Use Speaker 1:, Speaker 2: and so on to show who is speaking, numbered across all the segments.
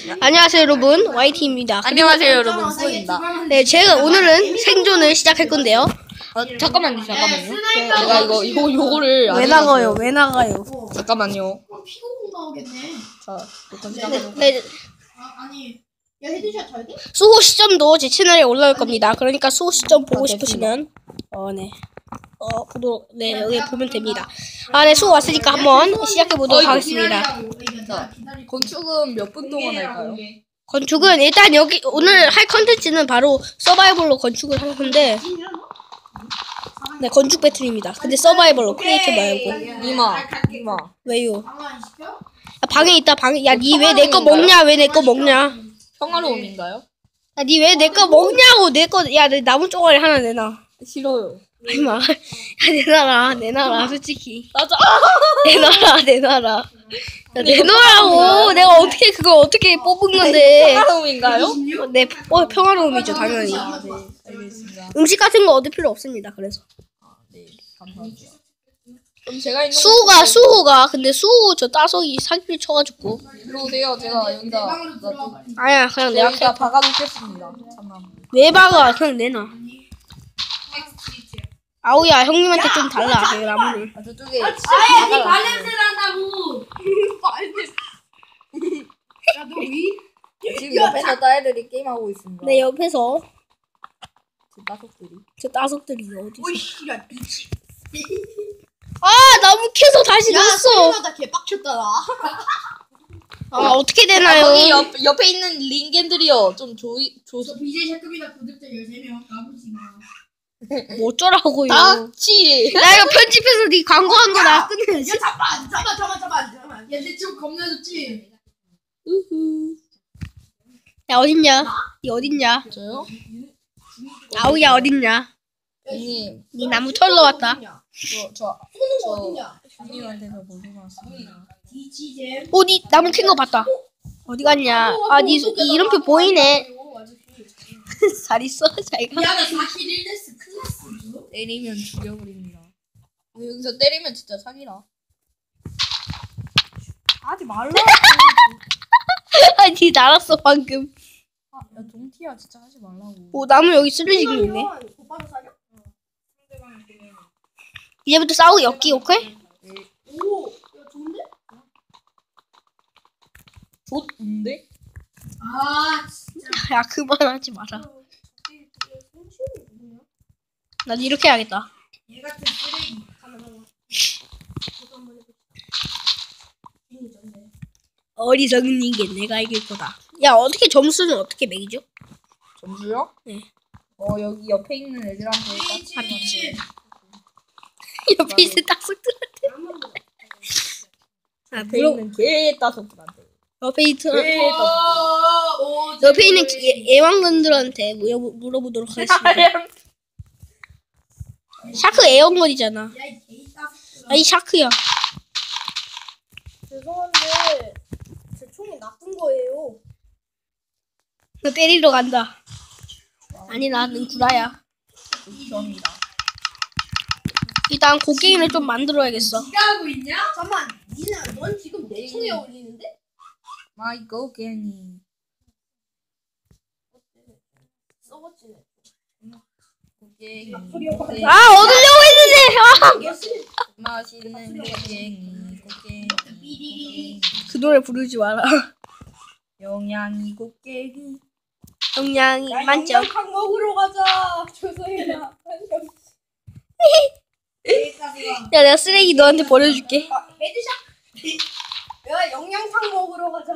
Speaker 1: 안녕하세요 여러분, YT입니다.
Speaker 2: 안녕하세요 여러분, 수고입니다.
Speaker 1: 네, 제가 오늘은 생존을 시작할 건데요.
Speaker 2: 잠깐만요. 제가 요거를 안
Speaker 1: 왜
Speaker 2: 해가지고.
Speaker 1: 나가요? 왜 나가요?
Speaker 2: 잠깐만요.
Speaker 3: 피고공 나오겠네.
Speaker 2: 자, 녹화 시작해볼게요.
Speaker 1: 네,
Speaker 3: 아니, 야 헤드샷 잘 돼?
Speaker 1: 수호 시점도 제 채널에 올라올 겁니다. 그러니까 수호 시점 보고 싶으시면 여기 보면 됩니다. 네, 수호 왔으니까 한번 시작해 보도록 하겠습니다.
Speaker 2: 자, 건축은 몇 분 동안 할까요?
Speaker 1: 건축은 일단 여기 오늘 할 컨텐츠는 바로 서바이벌로 건축을 할 건데, 네, 건축 배틀입니다. 근데 서바이벌로 크리에이티브 말고.
Speaker 2: 이마.
Speaker 1: 왜요?
Speaker 3: 방안 시켜?
Speaker 1: 야, 방에 있다. 방에. 야, 니 왜 내 거 먹냐? 왜 내 거 먹냐?
Speaker 2: 평화로움인가요?
Speaker 1: 야, 니 왜 내 거 먹냐고. 내 거, 야, 내 나무 쪼가리 하나 내놔.
Speaker 2: 싫어요.
Speaker 1: 임마. 야, 내놔라, 솔직히.
Speaker 2: 맞아.
Speaker 1: 내놔라. 야, 내놓으라고. 내가 어떻게, 그걸 어떻게 뽑은 건데.
Speaker 2: 평화로움인가요?
Speaker 1: 네, 평화로움이죠, 당연히.
Speaker 2: 네, 알겠습니다.
Speaker 1: 음식 같은 거 얻을 필요 없습니다, 그래서.
Speaker 2: 네, 감사합니다. 그럼 제가 있는
Speaker 1: 수호가, 근데 수호 저 따석이 사기를 쳐가지고.
Speaker 2: 일로 오세요. 제가 여기다
Speaker 1: 아야, 그냥 내가
Speaker 2: 여기다 박아놓겠습니다. 잠깐만.
Speaker 1: 왜 박아? 그냥 내놔. 아우야, 형님한테 좀 달라, 그 나무를.
Speaker 2: 아, 저쪽에.
Speaker 3: 아니 발냄새 난다고. 야너 위?
Speaker 2: 지금 옆에서 딸애들이 게임하고 있습니다.
Speaker 1: 내 옆에서
Speaker 2: 제 따석들이.
Speaker 1: 저 따석들이 어디 있어?
Speaker 3: 오이씨 야 미치.
Speaker 1: 나무 캐서 다시 넣었어.
Speaker 3: 나 개빡쳤다 나.
Speaker 1: 어떻게 되나요?
Speaker 2: 거기 옆에 있는 링겐들이요. 좀
Speaker 3: 저 BJ 샤급이다 구독자 13명 까불지 마.
Speaker 1: 뭐 어쩌라고요?
Speaker 2: 닥치.
Speaker 1: 나 이거 편집해서 네 광고한 거 나 끝내야지.
Speaker 3: 야 잠깐. 야 내 집 겁나졌지?
Speaker 1: 야, 어딨냐? 니 어딨냐?
Speaker 2: 저요?
Speaker 1: 아우야, 어딨냐?
Speaker 2: 형님,
Speaker 1: 니 나무 털러 왔다.
Speaker 2: 저
Speaker 3: 어디냐?
Speaker 2: 형님한테서 보고 왔습니다.
Speaker 3: 디지잼.
Speaker 1: 니 나무 캔 거 봤다. 어디 갔냐? 니 이름표 보이네. 잘 있어, 잘 가.
Speaker 3: 야나 41데스 클래스.
Speaker 2: 때리면 죽여버립니다. 여기서 때리면 진짜 사기라. 하지 말라.
Speaker 1: 니 날았어, 방금.
Speaker 2: 야 동티야 진짜 하지 말라고.
Speaker 1: 나무 여기 쓰러지고 있네.
Speaker 3: 오빠도 사겨?
Speaker 1: 이제부터 싸우기 엮기, 오케이?
Speaker 3: 오, 야 좋은데?
Speaker 2: 좋은데?
Speaker 3: 아 진짜.
Speaker 1: 야, 그만하지 마라. 난 이렇게 해야겠다.
Speaker 3: 얘 같은 쓰레기.
Speaker 1: 어리석은 이게 내가 이길 거다. 야, 어떻게 점수는 어떻게 매기죠?
Speaker 2: 점수요?
Speaker 1: 네.
Speaker 2: 여기 옆에 있는 애들한테
Speaker 3: 미치.
Speaker 1: 옆에 있는 딱속들한테.
Speaker 2: 옆에 있는 개 따석들한테.
Speaker 1: 옆에 있는
Speaker 2: 개 따석.
Speaker 3: 오,
Speaker 1: 옆에 있는 애완견들한테 물어보도록 하겠습니다. 샤크 애완견이잖아.
Speaker 3: 야이 개이 따스.
Speaker 1: 아니, 샤크야.
Speaker 3: 죄송한데 제 총이 나쁜 거예요.
Speaker 1: 너 때리러 간다. 아니, 나는 구라야.
Speaker 2: 감사합니다.
Speaker 1: 일단 곡괭이를 좀 만들어야겠어.
Speaker 3: 네가 하고 있냐? 잠만. 넌 지금 내 총에 어울리는데?
Speaker 2: 마이 고갱이.
Speaker 3: 썩었지.
Speaker 2: 고갱이.
Speaker 1: 얻으려고 했는데.
Speaker 2: 맛있는 고갱이. 고갱이.
Speaker 1: 그 노래 부르지 마라.
Speaker 2: 영양이 고갱이.
Speaker 1: 영양이 만점.
Speaker 3: 각 먹으러 가자. 조소희나.
Speaker 1: 야, 내가 쓰레기 너한테 버려줄게.
Speaker 3: 헤드샷. 야 영양상 먹으러 가자.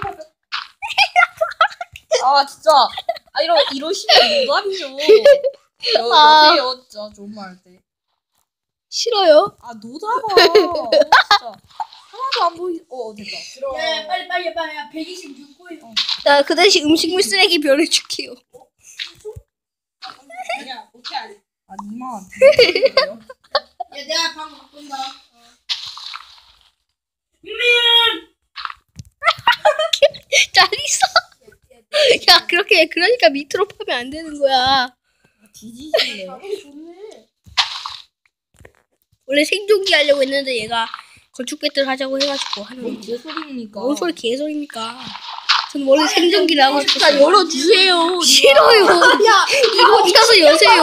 Speaker 2: 아 진짜. 이러시면 노답이죠. 여세요 진짜 좋은 말 할 때.
Speaker 1: 싫어요.
Speaker 2: 노답아. 진짜. 하나도 안 보이. 됐다.
Speaker 3: 야 빨리 야 126호에.
Speaker 1: 나 그 대신 음식물 쓰레기 버려줄게요.
Speaker 3: 야 어떻게 하지?
Speaker 2: 니마.
Speaker 3: 야 내가 방 바꾼다.
Speaker 1: 잘 있어. 야, 그러니까 밑으로 파면 안 되는 거야.
Speaker 2: 뒤지실래요?
Speaker 3: 좋네.
Speaker 1: 원래 생존기 하려고 했는데 얘가 건축 배틀 하자고 해가지고 하는
Speaker 2: 뭔
Speaker 1: 거.
Speaker 2: 개소리입니까?
Speaker 1: 뭔 소리 개소리입니까? 전 원래 생존기를 하고
Speaker 2: 자
Speaker 1: 싶었어요.
Speaker 2: 열어주세요.
Speaker 1: 싫어요.
Speaker 3: 야,
Speaker 1: 이거 어디 가서 여세요.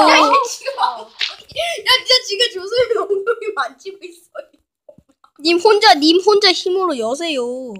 Speaker 3: 야, 진짜 지금 조선이 엉덩이 만지고 있어.
Speaker 1: 님 혼자 힘으로 여세요.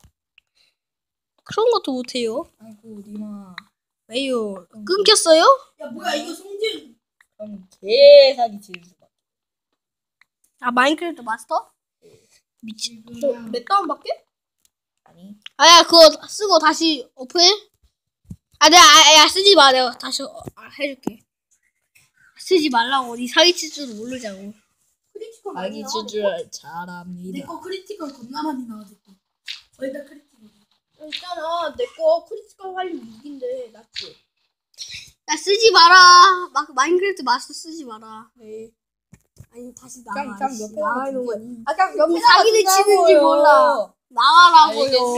Speaker 1: 그런 것도 못해요.
Speaker 2: 아이고 니마.
Speaker 1: 왜요? 끊겼어요?
Speaker 3: 야, 뭐야 이거 성질.
Speaker 2: 그럼 개사기 치는 거.
Speaker 1: 아 마인크래프트 마스터? 미친.
Speaker 3: 몇 다운밖에?
Speaker 2: 아니.
Speaker 1: 아야 그거 쓰고 다시 오픈해? 아 내가 야 쓰지 마. 내가 다시 해줄게. 쓰지 말라고. 니 사기칠 줄도 모르자고.
Speaker 3: 크리티컬
Speaker 2: 사기
Speaker 3: 많이
Speaker 2: 칠 줄 잘합니다.
Speaker 3: 내거 크리티컬 겁나 많이 나와졌어. 거의 다 크리티컬. 있잖아, 내 거 크리티컬 활용 6인데 낫지?
Speaker 1: 야 쓰지 마라. 마인크래프트 마스터 쓰지 마라.
Speaker 3: 네.
Speaker 1: 아니 다시
Speaker 2: 깜
Speaker 1: 나와.
Speaker 2: 깜
Speaker 1: 씨.
Speaker 2: 옆에
Speaker 1: 나가는 거야.
Speaker 3: 아까
Speaker 1: 니 사기를 치는지 몰라. 나가라고요.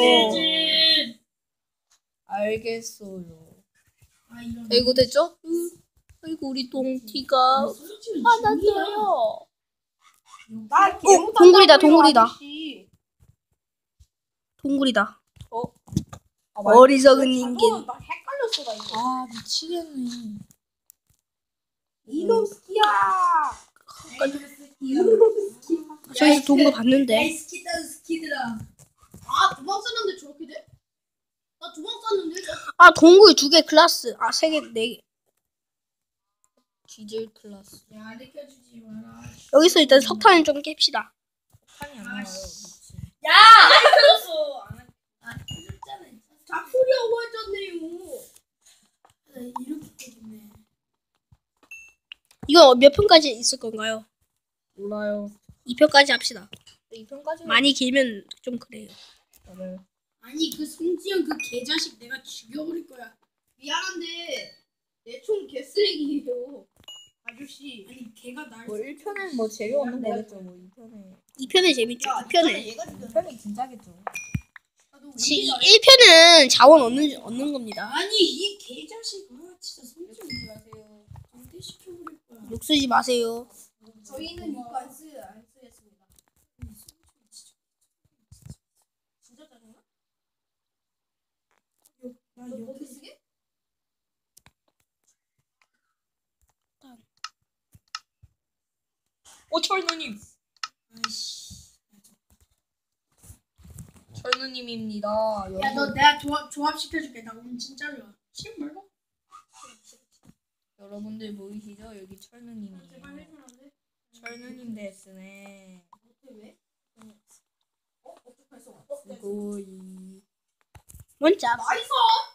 Speaker 2: 알겠어요.
Speaker 3: 아, 이런.
Speaker 2: 아이고 됐죠? 아이고 우리 동티가 화났어요.
Speaker 3: 나
Speaker 1: 동굴이다, 동굴이다. 동굴이다. 어리석은 인간.
Speaker 3: 나 헷갈렸어 나 이거.
Speaker 2: 아 미치겠네.
Speaker 3: 이놈스키야.
Speaker 1: 저기서 동굴 봤는데.
Speaker 3: 에이 스키다 스키들아. 아, 두 방 쐈는데 저렇게 돼? 나 두 방 쐈는데?
Speaker 1: 아 동굴 2개 클라스. 아 3개 4개.
Speaker 2: 디젤 클라스.
Speaker 3: 야, 느껴주지 마라.
Speaker 1: 여기서 일단 석탄을 좀 깹시다.
Speaker 2: 판이 안 나와요. 미친.
Speaker 3: 야! 안 켜졌어. 아, 켜졌잖아. 잡소리하고 했잖아요. 이렇게 켜졌네.
Speaker 1: 이거 몇 편까지 있을 건가요?
Speaker 2: 몰라요.
Speaker 1: 2편까지 합시다.
Speaker 2: 이 편까지
Speaker 1: 많이 길면 좀 그래요.
Speaker 2: 맞아요.
Speaker 3: 아니, 그 송지현 그 개자식 내가 죽여버릴 거야. 미안한데 내 총 개쓰레기예요. 아저씨. 아니, 걔가 날.
Speaker 2: 뭐 1편은 뭐 재미없는 거겠죠. 뭐 2편에.
Speaker 1: 2편에 재밌죠. 2편에.
Speaker 3: 얘가 죽여.
Speaker 2: 2편이 진짜겠죠.
Speaker 1: 1편은 자원 얻는 겁니다.
Speaker 3: 아니, 이 개자식. 아, 진짜 송지현 마세요. 강퇴시켜버릴 거야.
Speaker 1: 욕 쓰지 마세요.
Speaker 3: 저희는 이거 안 쓰겠습니다. 진짜 짜증나? 나 이렇게 쓰게?
Speaker 2: 철누님. 철누님입니다.
Speaker 3: 야, 너 내가 조합시켜줄게. 나 오늘 진짜 좋아. 싫은 말고?
Speaker 2: 여러분들 보이시죠? 여기
Speaker 3: 제발
Speaker 2: 철누님이에요.
Speaker 3: 해주면 안 돼?
Speaker 2: 철누님 데스네.
Speaker 3: 왜? 어떻게 했어?
Speaker 2: 스고이.
Speaker 1: 뭔짜?
Speaker 3: 나이스!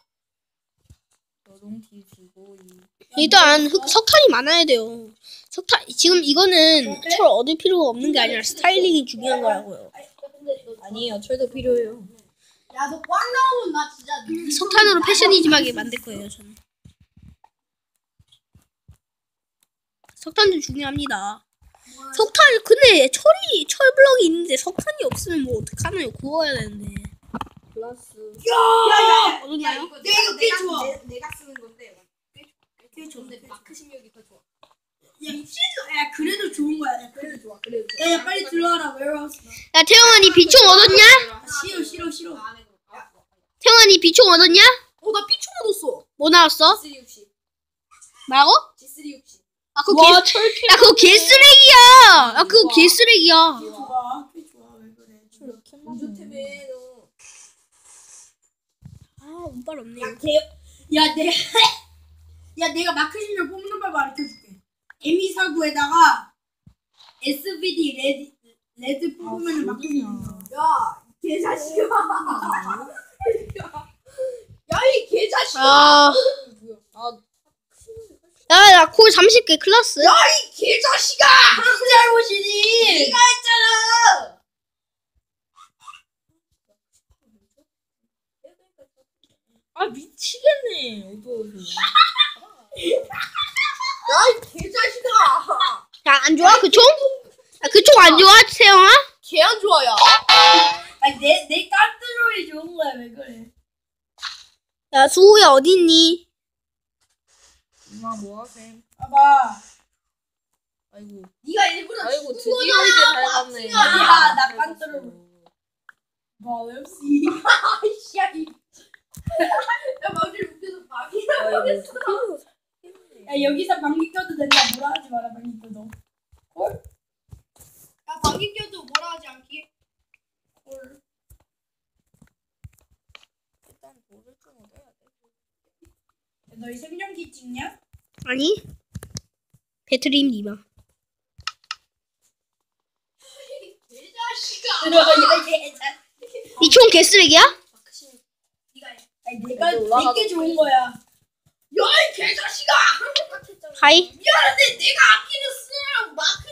Speaker 2: 여동티 스고이.
Speaker 1: 일단 석탄이 많아야 돼요. 석탄 지금 이거는 철 얻을 필요가 없는 게 아니라 스타일링이 중요한 거라고요.
Speaker 2: 아니에요. 철도 필요해요.
Speaker 3: 야, 너 꽝 나오면 나 진짜.
Speaker 1: 석탄으로 패셔니즘하게 만들 거예요, 저는. 석탄도 중요합니다. 석탄 근데 철 블럭이 있는데 석탄이 없으면 뭐 어떡하나요? 구워야 되는데.
Speaker 2: 플러스.
Speaker 3: 야,
Speaker 1: 얻었나요?
Speaker 3: 이거 꽤 좋아.
Speaker 4: 내가 쓰는 건데
Speaker 3: 꽤 좋은데
Speaker 4: 마크 실력이 더 좋아.
Speaker 3: 야, 야, 그래도 좋은 거야. 야,
Speaker 4: 그래도 좋아. 그래도
Speaker 3: 야, 야, 빨리 들어와라. 웨어하우스.
Speaker 1: 야 태영아 니 비총 얻었냐?
Speaker 3: 싫어.
Speaker 4: 안 해도.
Speaker 1: 태영아 니 비총 얻었냐?
Speaker 3: 나 피총 얻었어.
Speaker 1: 뭐 나왔어?
Speaker 4: G360.
Speaker 1: 뭐라고?
Speaker 4: G360.
Speaker 1: 아 그거 야 그거 개쓰레기야. 야 그거 개쓰레기야.
Speaker 3: 꽤 좋아. 왜 그래?
Speaker 4: 운전템에 너.
Speaker 1: 아 운빨 없네.
Speaker 3: 야, 내가 마크 실력 뽑는 법 알려줄게. M249에다가 SVD 레드 뽑으면 마크 실력. 야, 개자식아. 야, 이 개자식아.
Speaker 1: 아. 야, 콜 30개 클라스.
Speaker 3: 이 개자식아. 무슨 잘못이니? 네가 했잖아.
Speaker 2: 아 미치겠네. 어두워서.
Speaker 3: 야, 이 개자식아.
Speaker 1: 야, 안 좋아? 그 총? 야, 그 총 안 좋아, 태영아?
Speaker 3: 개 안 좋아요. 아니, 내 깐트롤이 좋은 거야. 왜 그래?
Speaker 1: 야, 수호야, 어디 있니?
Speaker 2: 엄마 뭐하셈?
Speaker 3: 봐봐.
Speaker 2: 아이고.
Speaker 3: 네가 일부러
Speaker 2: 아이고
Speaker 3: 죽은
Speaker 2: 드디어
Speaker 3: 거잖아.
Speaker 2: 이제 닮았네.
Speaker 3: 아니야, 나 깐트롤. 뭐, 웹시. 아이씨, 이 야 마우스 웃겨서 방이라고 했어. 야 여기서 방귀 껴도 된다. 뭐라 하지 마라 방귀 껴도. 헐.
Speaker 4: 야 방귀 껴도 뭐라 하지 않기?
Speaker 3: 헐.
Speaker 2: 일단 돌을 좀 얻어야 돼.
Speaker 3: 너희 생존기 찍냐?
Speaker 1: 아니 배트림 니마.
Speaker 4: 개자식아.
Speaker 1: 이 총 개쓰레기야?
Speaker 4: 네가 해.
Speaker 3: 아니 내가
Speaker 2: 올라가도
Speaker 3: 내게 좋은 거야.
Speaker 4: 야이 개자식아.
Speaker 1: 하이.
Speaker 4: 미안한데 내가 아끼는 쓰느라고 마크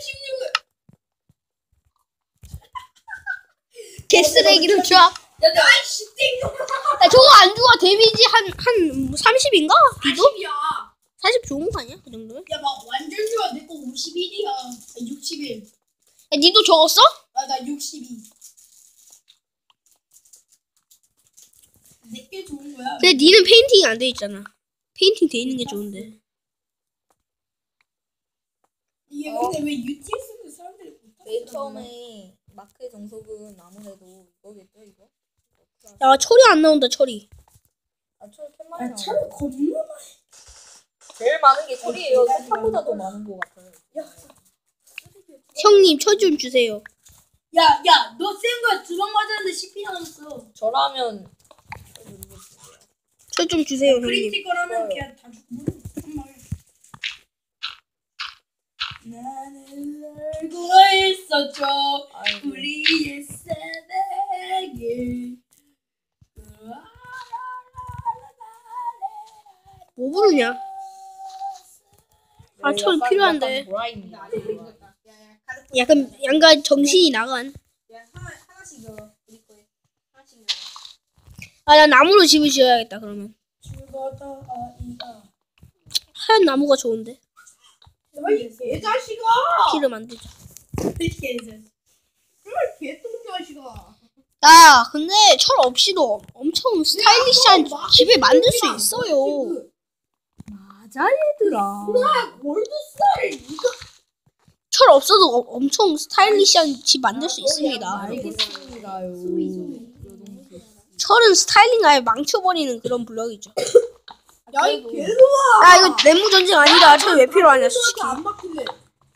Speaker 4: 16을.
Speaker 1: 개쓰레기를 줘.
Speaker 4: 야이 씨땡놈아.
Speaker 1: 야 저거 안 좋아. 데미지 한 30인가? 비도?
Speaker 4: 40이야.
Speaker 1: 40 좋은 거 아니야? 그 정도면?
Speaker 3: 야막 완전 좋아. 내 거 51이야. 61.
Speaker 1: 야 니도 저거 써?
Speaker 3: 나 62. 내게 좋은 거야.
Speaker 1: 근데 니는 페인팅이 안 돼 있잖아. 페인팅 돼 있는 게 좋은데.
Speaker 3: 이게 근데 왜 UTS는 사람들이 못하는
Speaker 2: 맨 처음에 마크의 정석은 아무래도 이거겠죠 이거?
Speaker 1: 야 철이 안 나온다 철이.
Speaker 2: 철 캔만이
Speaker 3: 야 차를 겁나 많이.
Speaker 2: 제일 많은 게 철이에요. 석탄보다 더 많은 것 같아요.
Speaker 1: 형님 철 좀 주세요.
Speaker 3: 야 너 센 거야. 2방 맞았는데 10피 나왔어.
Speaker 2: 저라면
Speaker 1: 철 좀 주세요 형님.
Speaker 3: 크리티컬 하면
Speaker 2: 좋아요.
Speaker 3: 그냥 다 죽고. 정말. 나는 알고 있었죠.
Speaker 2: 아이고.
Speaker 3: 우리의 새내기.
Speaker 1: 뭐 부르냐? 아,
Speaker 2: 네,
Speaker 1: 철
Speaker 2: 약간
Speaker 1: 필요한데.
Speaker 2: 보라입니다.
Speaker 1: 약간 양가 정신이 나간.
Speaker 4: 야 하나씩 열어. 우리 거에 하나씩 열어.
Speaker 1: 아 나 나무로 집을 지어야겠다 그러면.
Speaker 3: 죽어다 아이가.
Speaker 1: 하얀 나무가 좋은데.
Speaker 3: 야이 개자식아.
Speaker 1: 피를 만들자.
Speaker 3: 개자식.
Speaker 4: 정말 개똥자식아.
Speaker 1: 야 근데 철 없이도 엄청 스타일리시한 집을 만들 수 있어요.
Speaker 2: 맞아 얘들아.
Speaker 3: 골드스타를 이거.
Speaker 1: 철 없어도 엄청 스타일리시한 집 만들 수 있습니다.
Speaker 2: 알겠습니다요.
Speaker 1: 철은 스타일링 아예 망쳐버리는 그런 블럭이죠.
Speaker 3: 야이 개놈아.
Speaker 1: 야 이거 내무 전쟁 아니다. 철 왜 필요하냐 솔직히.
Speaker 3: 안 바뀌네.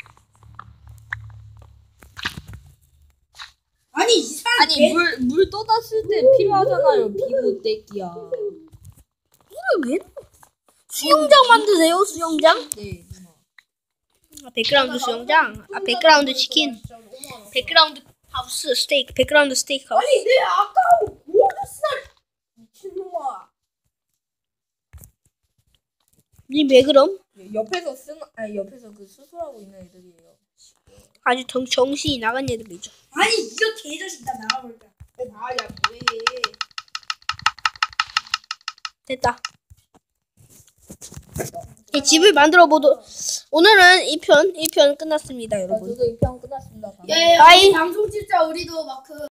Speaker 3: 아니 이 사람
Speaker 2: 아니 물 떠났을 때 필요하잖아요. 비보 떼기야.
Speaker 1: 왜? 수영장 만드세요 수영장?
Speaker 2: 네 누나.
Speaker 1: 아, 백그라운드 수영장. 아 백그라운드 치킨. 백그라운드 하우스 스테이크. 백그라운드 스테이크 하우스.
Speaker 3: 아니 내 아까운 골드스타 미친놈아.
Speaker 1: 니왜 그럼?
Speaker 2: 옆에서 옆에서 그 수술하고 있는 애들이에요.
Speaker 1: 아주 정신이 나간 애들이죠.
Speaker 3: 아니 이거 개자식 나 나가볼까.
Speaker 4: 아야 뭐해.
Speaker 1: 됐다. 이 집을 만들어 보도. 오늘은 1편 끝났습니다, 여러분.
Speaker 2: 저도 2편 끝났습니다.
Speaker 3: 야야
Speaker 1: 아이.
Speaker 3: 방송 진짜 우리도 마크